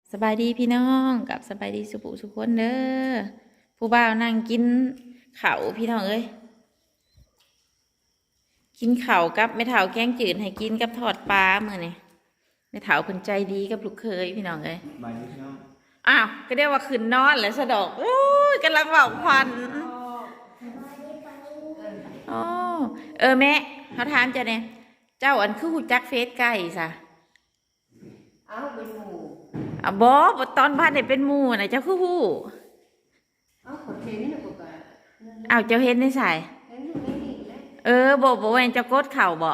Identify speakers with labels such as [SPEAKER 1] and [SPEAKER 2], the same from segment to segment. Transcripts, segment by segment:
[SPEAKER 1] สบายดีพี่น้องกับสบายดีสุขุสุขคนเด้อผู้บ่าวนั่งกินข้าวพี่น้องเอ้ยกินข้าวกับแม่เฒ่าแกงจืดให้กินกับทอดปลามื้อนี่แม่เฒ่าเพิ่นใจดีกับลูกเคยพี่น้องเอ้ย
[SPEAKER 2] บายดีพี่น้อง
[SPEAKER 1] อ้าวก็เรียกว่าขึ้นนอนแล้วสะดอกโอ้ยกำลังเว้าควันอ๋อแม่เขาถามเจ้าเนี่ยเจ้าอันคือฮู้จักเฟซไก่ซะ
[SPEAKER 3] เอาเป็นหมู
[SPEAKER 1] บ่ตอนบ้านได้เป็นหมู่น่ะเจ้าคือฮู้
[SPEAKER 3] เอาขอเทนี่นะปกติ
[SPEAKER 1] อ้าวเจ้าเห็นในสาย
[SPEAKER 3] เห็นอยู่ในนี่แหละ
[SPEAKER 1] บ่แม่นเจ้ากดเข่าบ่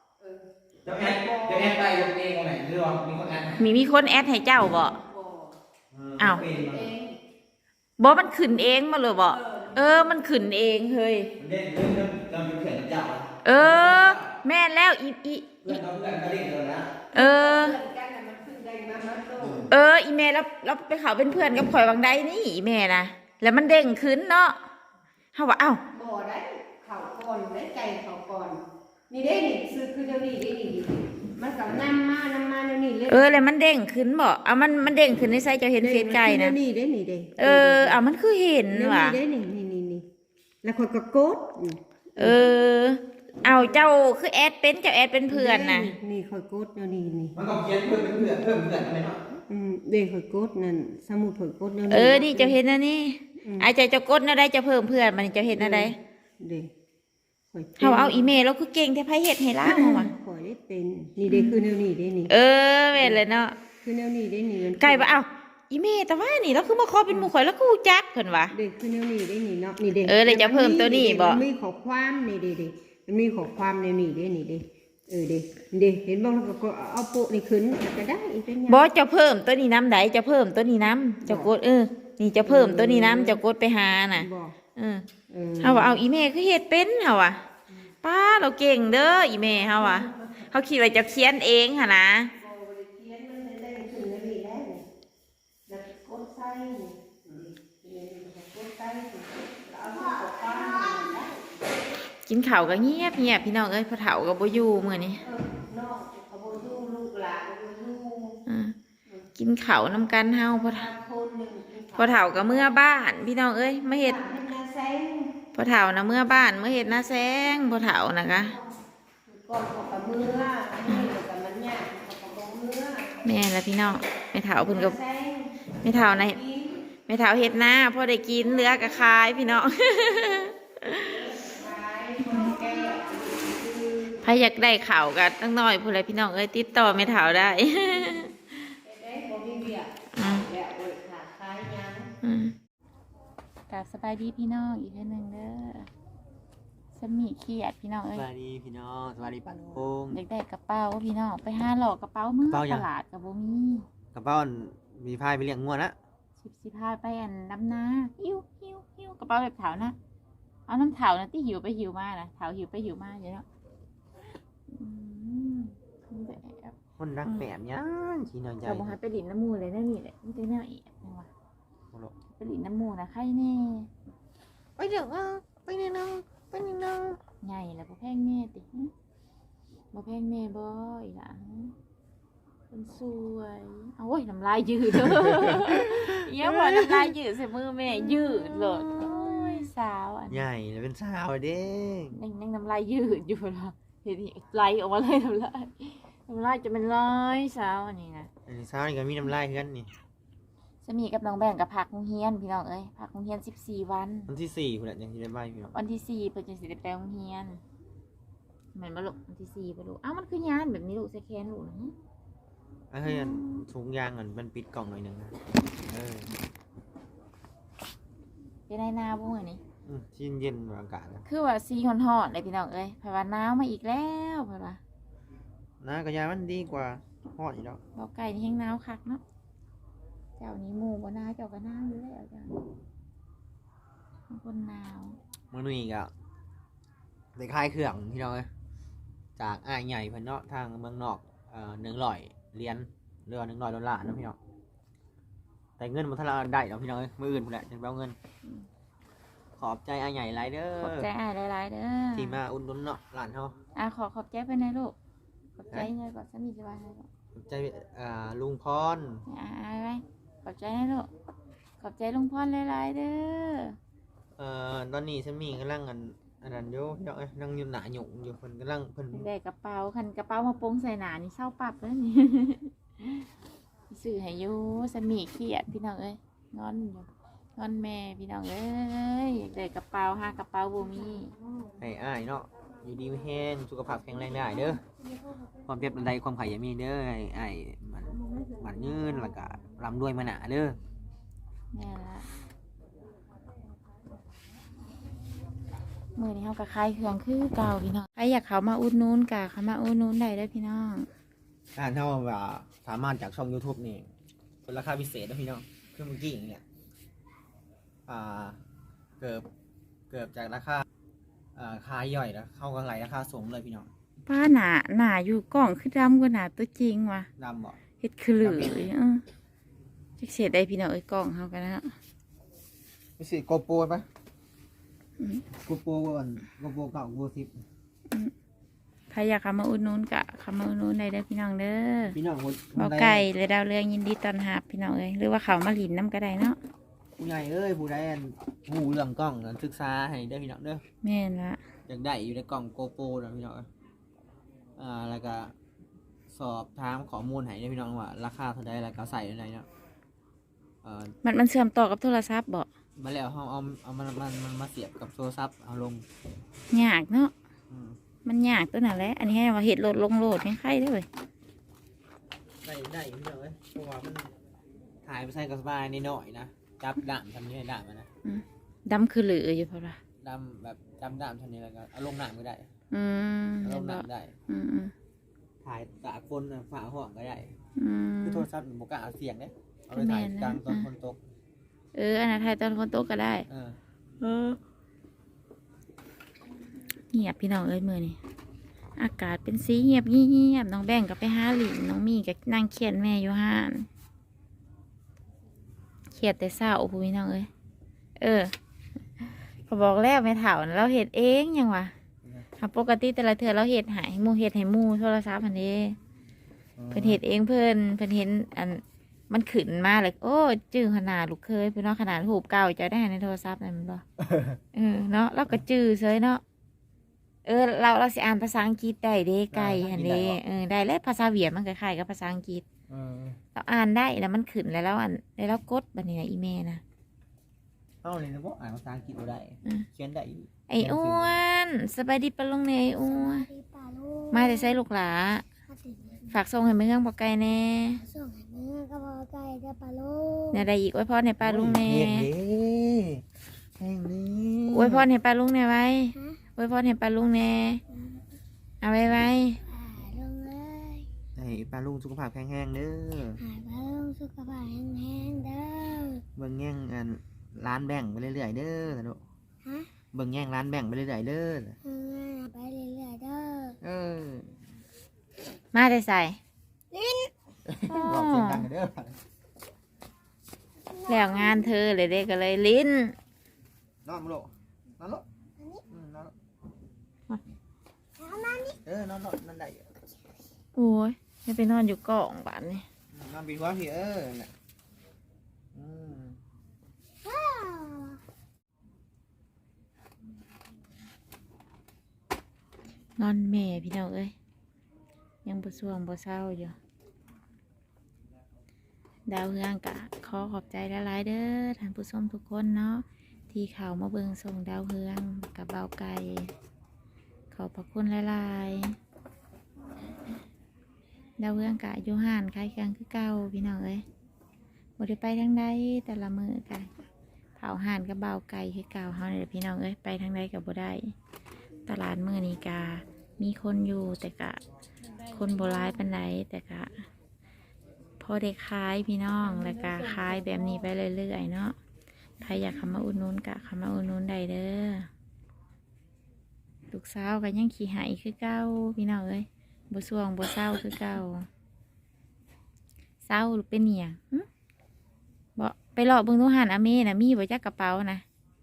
[SPEAKER 2] จะแอดไปลงเองวันไหนหรือว่ามีคนแอด
[SPEAKER 1] มีคนแอดให้เจ้าบ่อ้าวบ่มันขึ้นเองมาเลยบ่มันขึ้นเองเฮ้ย
[SPEAKER 2] มันเล่นเรื่องเราอยู่เขื่อนกับเจ้า
[SPEAKER 1] แม่นแล้ว
[SPEAKER 2] เพื่อนเราเพื่อนก็เล่นเลยนะ
[SPEAKER 1] อีเมลแล้วไปเขาเป็นเพื่อนกับข่อยวังใดนี่อีเมลนะแล้วมันเด้งขึ้นเนาะเฮาว่าเอ้า
[SPEAKER 3] บ่ได้เข่าก่อนได้ใจเข่าก่อนนี่ได้นี่ซื้อคือเดี๋ยวนี้ได้นี่มันกับน้ำมาเดี๋ยวนี้เลย
[SPEAKER 1] แล้วมันเด้งขึ้นบ่เอามันเด้งขึ้นในไซต์เจ้าเห็นเฟซไก่นะ
[SPEAKER 3] นี่ได้นี่ได้
[SPEAKER 1] เอามันคือเห็นว่ะ
[SPEAKER 3] ได้นี่แล้วคนก็กด
[SPEAKER 1] เอาเจ้าคือแอดเป็นเจ้าแอดเป็นเพื่อนนะ
[SPEAKER 3] นี่คอยกดเดี๋ยวนี้
[SPEAKER 2] มันก็เขียนเพื่อนเป็นเพื่อนเพิ่มเพื่อนอะไรเนาะ
[SPEAKER 3] เด็กคอยกดนั่นสมุดคอยกดเดี๋ยว
[SPEAKER 1] นี้นี่เจ้าเห็นนะนี่ไอ้เจ้ากดนะได้จะเพิ่มเพื่อนมันจะเห็นอะไร
[SPEAKER 3] เด็ก
[SPEAKER 1] เอาอีเมลแล้วคือเก่งแต่ไพ่เห็ดให้ล่างว่ะ
[SPEAKER 3] ขอได้เป็นนี่เด็กคือแนวนี้ได้นี่
[SPEAKER 1] เว้นเลยเนาะ
[SPEAKER 3] คือแนวนี้ได้นี่
[SPEAKER 1] ไก่ปะอีเมลแต่ว่านี่แล้วคือมาขอเป็นหมู่ข่อยแล้วกูจักเพิ่นวะ
[SPEAKER 3] เด็กคือแนวนี้ได้นี่เนาะนี่เด็ก
[SPEAKER 1] เลยจะเพิ่มตัวนี้บ่
[SPEAKER 3] มีข้อความนี่เด็กมันมีข้อความแนวนี้ได้นี่เด็กเด็กเห็นบ้างแล้วก็เอาโปะนี่ขึ้นก็ได้เป็นยัง
[SPEAKER 1] บ่จะเพิ่มตัวนี้น้ำใดจะเพิ่มตัวนี้น้ำจะกดนี่จะเพิ่มตัวนี้น้ำจะกดไปหาน่ะเอาว่าเอาอีเมลคือเฮ็ดเป็นเฮาว่ะป้าเราเก่งเด้ออีเมลเฮาว่ะเขาคิดว่าจะเขียนเองหั่นนะกินข้าวก็เงียบพี่น้องพ่อเฒ่าก็บ่อยู่มื้อนี้กินข้าวนํกันเฮาพ่อเฒ่าก็เมื่อบ้านพี่น้องมาเฮ็ดพ่อเฒ่านะเมื่อบ้านเมื่อเฮ็ดหน้าแซงพ่อเฒ่านะคะแม่และพี่น้องแม่เฒ่าเพิ่นก็แม่เฒ่าในแม่เฒ่าเฮ็ดหน้าพอได้กินเหลือก็ขายพี่น้องใครอยากได้ข่าวกันตั้งน้อยพูดอะไรพี่น้องติดต่อแม่เฒ่าได้กลับสบายดีพี่น้องอีกทีหนึ่งเด้อสมีเขียดพี่น้อง
[SPEAKER 2] สบายดีพี่น้องสบายดีปันโป่ง
[SPEAKER 1] เด็กได้กระเป๋าพี่น้องไปหาหลอกกระเป๋ามือตลาดกับโบมี
[SPEAKER 2] กระเป๋ามีพายไปเลี้ยงงัวนะ
[SPEAKER 1] สิพาไปดำนาหิวกระเป๋าแบบเถานะเอาน้ำเถานะที่หิวไปหิวมานะเถาหิวไปหิวมาเยอะ
[SPEAKER 2] คนรักแปมยังชีนอนใจ
[SPEAKER 1] เราบอกให้ไปหลินน้ำมูเลยนั่นนี่แหละนี่เป็นแนวเอกนะวะไปหลินน้ำมูนะใครแน่
[SPEAKER 2] ไปเดี๋ยวไปนี่น้อง
[SPEAKER 1] ใหญ่แล้วบ่แพงแม่ติบ่แพงแม่บ่อีหล่ะคนสวยเอาไว้น้ำลายยืดเยี่ยมว่าน้ำลายยืดใส่มือแม่ยืดเลยสาว
[SPEAKER 2] ใหญ่แล้วเป็นสาวเด้
[SPEAKER 1] นั่งน้ำลายยืดอยู่ละเห็นไหลออกมาเลยน้ำลายจะเป็นร้อยสาวอันนี้นะ
[SPEAKER 2] สาวนี่ก็มีน้ำลายกันนี่
[SPEAKER 1] สมีกับน้องแบ่งกับพักโรงเรียนพี่น้องพักโรงเรียน14 วัน
[SPEAKER 2] วันที่4คุณยังจะได้ใบพี่น้อง
[SPEAKER 1] วันที่4เพิ่นจะสิได้ไปโรงเรียนเหมือนบ่ลูกวันที่4บ่ลูกมันคือยานแบบนี้ลูกใส่แขนลูกนะ
[SPEAKER 2] เฮ้ยถุงยางมันปิดกล่องหน่อยนึงนะ
[SPEAKER 1] เป็นในนาบ่มื้อนี้
[SPEAKER 2] ที่เย็นอากาศ
[SPEAKER 1] คือว่าซีฮ้อนๆเลยพี่น้องเพราะว่าหนาวมาอีกแล้วเพิ่นว่า
[SPEAKER 2] น้ากระยามันดีกว่าฮ้อนอีกแล้ว
[SPEAKER 1] บ่ไก่นี่แห้งหนาวคักเนาะเจ้านี้หมู่บ่นาเจ้าก็หนาวอยู่แล้วจ้ะคนหนาว
[SPEAKER 2] มื้อนี้ก็ได้คลายเครื่องพี่น้องจากอ้ายใหญ่เพิ่นเนาะทางเมืองนอก100เหรียญเรือ$100นะพี่น้องแต่เงินมันทะเลได้เนาะพี่น้องมื้ออื่นพุ่นแหละจังไปเอาเงินขอบใจอ้ายใหญ่หลายเด้อ
[SPEAKER 1] ขอบใจอ้ายหลายๆเด้อ
[SPEAKER 2] ที่มาอุ่นนุนเนาะหลานเฮา
[SPEAKER 1] ขอบใจเพิ่นนะลูกขอบใจเลยก่อนสามีสบายให้ก่อน
[SPEAKER 2] ขอบใจลุงพร
[SPEAKER 1] ไว้อบใจนะลูกขอบใจลุงพรหลายๆเด้อ
[SPEAKER 2] ตอนนี้ฉันมีกำลังอันนั้นอยู่พี่น้องเอ้ยนั่งอยู่หน้าหยุ่งอยู่เพิ่นกำลังเพิ่น
[SPEAKER 1] ได้กระเป๋าคันกระเป๋ามาโปงใส่หนานี่เศร้าปรับแล้วนี่ สื่อให้อยู่สมีเครียดพี่น้องเอ้ยงอนอยู่งอนแม่พี่น้องเอ้ยอยากได้กระเป๋าหากระเป๋าบ่มี
[SPEAKER 2] ให้อ้ายเนาะอยู่ดีมีแห้งสุขภาพแข็งแรงได้เด้อความเจ็บใดความไข้อย่ามีเด้อให้อ้ายมันยืนแล้วก็ร่ำรวยมาหนาเด้อ
[SPEAKER 1] แม่ละมื้อนี้เฮาก็ขายเครื่องคือเก่าพี่น้องใครอยากเข้ามาอุดหนุนก็เข้ามาอุดหนุนได้เด้อพี่น้อง
[SPEAKER 2] เท่าว่าสามารถจากช่อง YouTube นี่เป็นราคาพิเศษนะพี่น้องคือเมื่อกี้อย่างเงี้ยเกือบจากราคาขายย่อยแล้วเข้ากันไหลราคาสูงเลยพี่น้อง
[SPEAKER 1] ป้าหนาอยู่กล่องคือดำกว่าหนาตัวจริงว่ะ
[SPEAKER 2] ดำบ่
[SPEAKER 1] เฮ็ดคือเหลือจักเสียได้พี่น้องเอ้ยกล่องเฮากันนะ
[SPEAKER 2] ไม่ใช่โกโปรปะโกโปรก่อนโกโปรเก่าโกโปร10
[SPEAKER 1] ใครอยากเข้ามาอุดหนุนก็เข้ามาอุดหนุนได้เด้อพี่น้องเด้อ
[SPEAKER 2] พี่น้องคน
[SPEAKER 1] บ่ไก่เลยดาวเรืองยินดีต้อนรับพี่น้องเอ้ยหรือว่าเขามาหลินน้ำก็ได้เนาะ
[SPEAKER 2] ผู้ใหญ่เอ้ยผู้ใดหูเรื่องกล้องศึกษาให้ได้อพี่น้องเด้อ
[SPEAKER 1] แม่นละ
[SPEAKER 2] อยากได้อยู่ในกล่องโกโปรนะพี่น้องแล้วก็สอบถามข้อมูลให้ได้อพี่น้องว่าราคาเท่าใดแล้วก็ใส่อะไรเนาะ
[SPEAKER 1] มันเชื่อมต่อกับโทรศัพท์บ่
[SPEAKER 2] มาแล้วเอามันมาเสียบกับโทรศัพท์เอาลง
[SPEAKER 1] ยากเนาะ
[SPEAKER 2] อืม
[SPEAKER 1] มันยากตัวนั้นแหละอันนี้ให้ว่าเฮ็ดโหลดลงโหลดให้ใครได้อเว้ย
[SPEAKER 2] ได้อยู่พี่น้องเอ้ยเพราะว่ามันถ่ายไปใส่กับสบายนิดหน่อยนะจับด่ามทำนี้ให้ด่ามมันนะ
[SPEAKER 1] ดำคือเหลืออยู่เพราะว่า
[SPEAKER 2] ดำแบบจำด่ามทำนี้แล้วก็เอาลงน้ำก็ได้
[SPEAKER 1] อืม
[SPEAKER 2] เอาล
[SPEAKER 1] เห็น
[SPEAKER 2] ง
[SPEAKER 1] บ่
[SPEAKER 2] น้ำได้
[SPEAKER 1] อืม
[SPEAKER 2] ถ่ายตากฝนฝ่าห้องก็ได้
[SPEAKER 1] อืม
[SPEAKER 2] คือโทรศัพท์มันบอกเอาเสียงเนี่ยเอาไป
[SPEAKER 1] ก็แม่
[SPEAKER 2] ถ่าย
[SPEAKER 1] นนะ
[SPEAKER 2] กลางตอนฝนตก
[SPEAKER 1] อันนั้นไทยตอนคนโตก็ได้ เงียบพี่น้องเอ้ยมื้อนี้อากาศเป็นสีเงียบเงียบน้องแบ่งก็ไปหาหลินน้องมีก็นั่งเขียนแม่อยู่ห้านเขียดแต่เศร้าพูพี่น้องเอ้ยก็บอกแล้วแม่เฒ่าน่ะเราเฮ็ดเองยังวะปกติแต่ละเทื่อเราเฮ็ดให้หมู่เฮ็ดให้หมู่โทรศัพท์อันนี้เพิ่นเฮ็ดเองเพิ่นเห็นอันมันขึ้นมาเลยโอ้จื้อขนาดลูกเคยเพิ่นเนาะขนาดรูปเก่าจะได้ในโทรศัพท์นั่นแม่นบ่ เนาะเราก็จื้อเฉยเนาะเราสิอ่านภาษาอังกฤษได้เด้ไก่หันเด้ได้แล้วภาษาเวียดมันคล้ายๆกับภาษาอังกฤษเราอ่านได้แล้วมันขึ้นแล้วแล้วกดบัดนี้นะอีเมลนะ
[SPEAKER 2] เอาเลยนะพวกอ่านภาษาอังกฤษบ่ได้เขียนได้อยู่
[SPEAKER 1] ไอ้อ้วนสบายดีปะลุงเนี่ยไอ้อ้วนมาแต่ใส่ลูกหลาฝากส่งให้เมืองปอไก่แน่
[SPEAKER 4] ส่งให้เมื่อก็พอไก่จะปลาลูก
[SPEAKER 1] เนี่ยได้อีกอวยพรให้ป้าลุงแน่
[SPEAKER 2] แห้งนี้
[SPEAKER 1] อวยพรให้ป้าลุงแน่ไว้
[SPEAKER 4] ฮะ
[SPEAKER 1] อวยพรให้ป้าลุงแน่เอาไว้
[SPEAKER 4] หายลงเลย
[SPEAKER 2] ให้ปลาลุงสุขภาพแข็งแรงเด้อ
[SPEAKER 4] หายปลาลูกสุขภาพแห้งๆเด้อ
[SPEAKER 2] เบิ่งแย่งร้านแบ่งไปเรื่อยๆเด้อนะลูก
[SPEAKER 4] ฮะ
[SPEAKER 2] เบิ่งแย่งร้านแบ่งไปเรื่อยๆเด้อ
[SPEAKER 4] ไปเรื่อยๆเด้อ
[SPEAKER 1] มาแต่ใส่
[SPEAKER 2] บอกเสียงดังเด้อ
[SPEAKER 1] แล้วงานเธอเลยเด็กก็เลยลิ้น
[SPEAKER 2] นอนมาลูกนอนลูกนอนลูกนอนนั่นได้
[SPEAKER 1] โอ้ยไม่ไปนอนอยู่กล่องบ้านนี่
[SPEAKER 2] นอนปีหัวพี่น่ะ
[SPEAKER 1] นอนแม่พี่น้องเอ้ยยังบ่สวงบ่เศร้าอยู่ดาวเฮืองกะขอขอบใจหลายๆเด้อท่านผู้ชมทุกคนเนาะที่เข้ามาเบิ่งส่งดาวเฮืองกับเบาไก่ขอบพระคุณหลายๆดาวเฮืองกะอยู่ห่านคล้ายเครื่องคือเก่าพี่น้องเอ้ยบ่ได้ไปทางใดแต่ละมื้อกะเผาห่านกับเบาไก่คือเก่าเฮานี่แหละพี่น้องเอ้ยไปทางใดก็บ่ได้ตลาดมื้อนี้กะมีคนอยู่แต่กะคนโบราณปานใดแต่กะพอได้ขายพี่น้องแล้วก็ขายแบบนี้ไปเรื่อยๆเนาะใครอยากเข้ามาอุดหนุนกะเข้ามาอุดหนุนได้เด้อลูกสาวก็ยังขี้หายคือเก่าพี่น้องเอ้ยบ่สวงบ่เศร้าคือเก่าเศร้าหรือเป็นเนี่ยบ่ไปหลอกเบิ่งตู้หันอาเมน่ะมีบ่จักกระเป๋านะ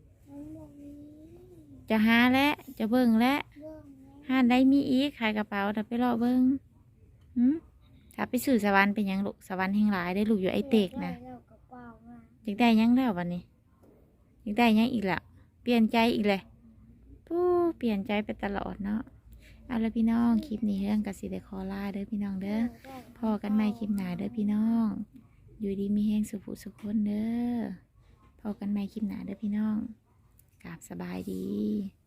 [SPEAKER 1] จะหาและจะเบิ่งและห้านได้มีอีกขายกระเป๋าแต่ไปรอเบิ้งถ้าไปสื่อสวรรค์เป็นหยังลูกสวรรค์แห่งหลายได้ลูกอยู่ไอเตกนะ
[SPEAKER 4] กระเป๋า
[SPEAKER 1] อยากได้หยังแล้ววันนี้อยากได้หยังอีกละเปลี่ยนใจอีกเลยปู้เปลี่ยนใจไปตลอดเนาะเอาละพี่น้องคลิปนี้เรื่องกสิได้ขอลาเด้อพี่น้องเด้อพอกันใหม่คลิปหน้าเด้อพี่น้อง อยู่ดีมีแห้งสุขสุขคนเด้อพอกันใหม่คลิปหน้าเด้อพี่น้องกราบสบายดี